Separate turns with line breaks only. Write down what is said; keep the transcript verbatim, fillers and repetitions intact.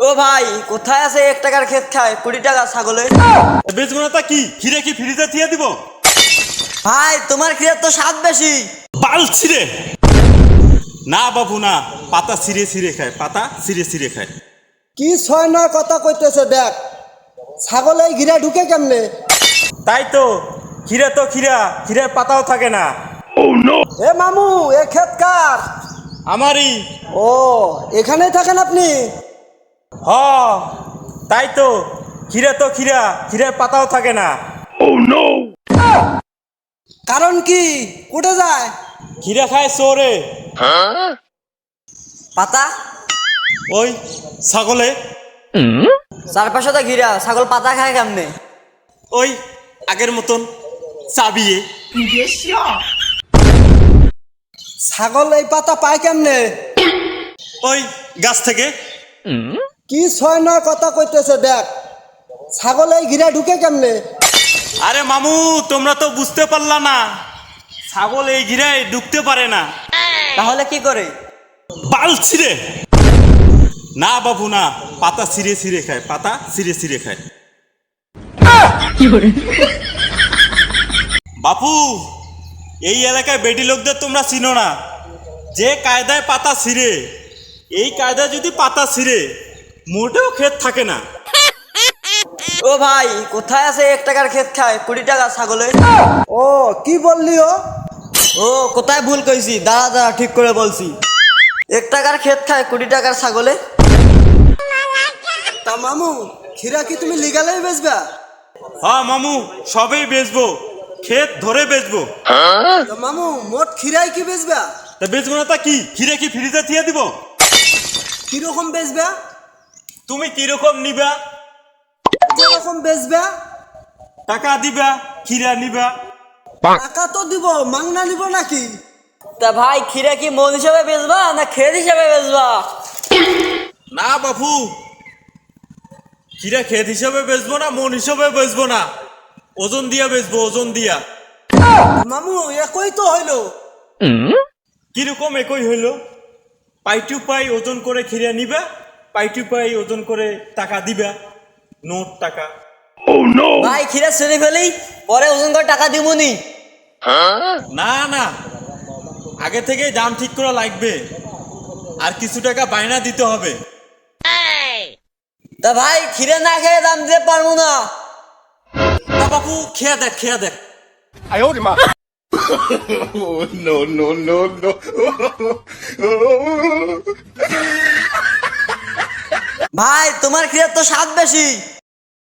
ভাই কোথায় আছে এক টাকার ক্ষেত খায় কুড়ি টাকা ছাগলে?
বেজগুনাটা কি খিরে কি ফ্রিজে থিয়ে দিব?
ভাই তোমার ক্ষীরের তো স্বাদ বেশি।
বাল ছিঁড়ে না বাবু না, পাতা ছিঁড়ে ছিঁড়ে খায়, পাতা ছিঁড়ে ছিঁড়ে খায়।
কি ছয় নয় কথা কইতেছে দেখ, ছাগল এই ঘিরা ঢুকে কেমনে?
তাই তো, খিরে তো খিরা, খিরের পাতাও থাকে না।
এ মামু, এ ক্ষেত কার?
আমারই।
ও, এখানেই থাকেন আপনি?
হ তাই তো, খিরে তো খিরা, খিরের পাতাও থাকে না।
কারণ কি, কোটে যায়?
খিরা খায় চোরে।
পাতা
ওই ছাগলে।
চারপাশে তো ঘিরা, ছাগল পাতা খায় কেমনে?
ওই আগের মতন চাবিয়ে।
ছাগল এই পাতা পায় কেমনে?
ওই গাছ থেকে।
কি ছয় নয় কথা কইতেছে দেখ, ছাগল এই ঘিরা ঢুকে কেমনে?
আরে মামু, তোমরা তো বুঝতে পারলা না, ছাগল এই ঘিরায় ঢুকতে পারে না।
তাহলে কি করে?
বাল ছিঁড়ে না বাবু না, পাতা ছিঁড়ে ছিঁড়ে খায়, পাতা ছিঁড়ে ছিঁড়ে খায়। বাপু, এই এলাকায় বেডি লোকদের তোমরা চিনো না, যে কায়দায় পাতা ছিঁড়ে, এই কায়দায় যদি পাতা ছিঁড়ে মোটেও ক্ষেত থাকে না।
ও ভাই কোথায় আছে এক টাকার ক্ষেত খায় কুড়ি টাকা ছাগলে?
ও, কি বললি ও?
ও কোথায় ভুল কইছি, দাঁড়া দাঁড়া ঠিক করে বলছি। এক টাকার ক্ষেত খায় কুড়ি টাকার ছাগলে।
তা মামু, খিরা কি তুমি লিগালেই বেচবা?
হ্যাঁ মামু, সবেই বেচবো, ক্ষেত ধরে বেচবো।
তা মামু, মোট খিরাই কি বেচবা?
তা বেচবো না তা কি, খিরে কি ফ্রিজে থিয়ে দিব?
কিরকম বেচবা?
তুমি কিরকম নিবা?
কিরকম বেচবা?
টাকা দিবা, খিরা নিবা।
টাকা তো দিব, মাংনা নিব নাকি?
তা ভাই ক্ষীরা কি মন হিসাবে বেচবা না ক্ষেত হিসাবে বেচবা?
না বাপু, খিরা ক্ষেত হিসাবে বেচবো না, মন হিসাবে বেচবো না, ওজন দিয়া বেচবো, ওজন দিয়া।
মামু, একই তো হইলো।
কিরকম একই হইলো? পাই টু পাই ওজন করে খিরা নিবা, পাই টু পাই ওজন করে টাকা দিবা, নোট টাকা।
ভাই ক্ষীরা ছেড়ে ফেলি, পরে ওজন করে টাকা দিবনি।
না না, আগে থেকে দাম ঠিক করা লাগবে, আর কিছু টাকা বায়না দিতে হবে।
তা ভাই ক্ষীরা না খেয়ে দাম দিতে পারবো না।
তা বাপু খেয়া দেখ, খেয়া দেখ।
no, no, no, no.
ভাই তোমার ক্ষীরার তো স্বাদ বেশি।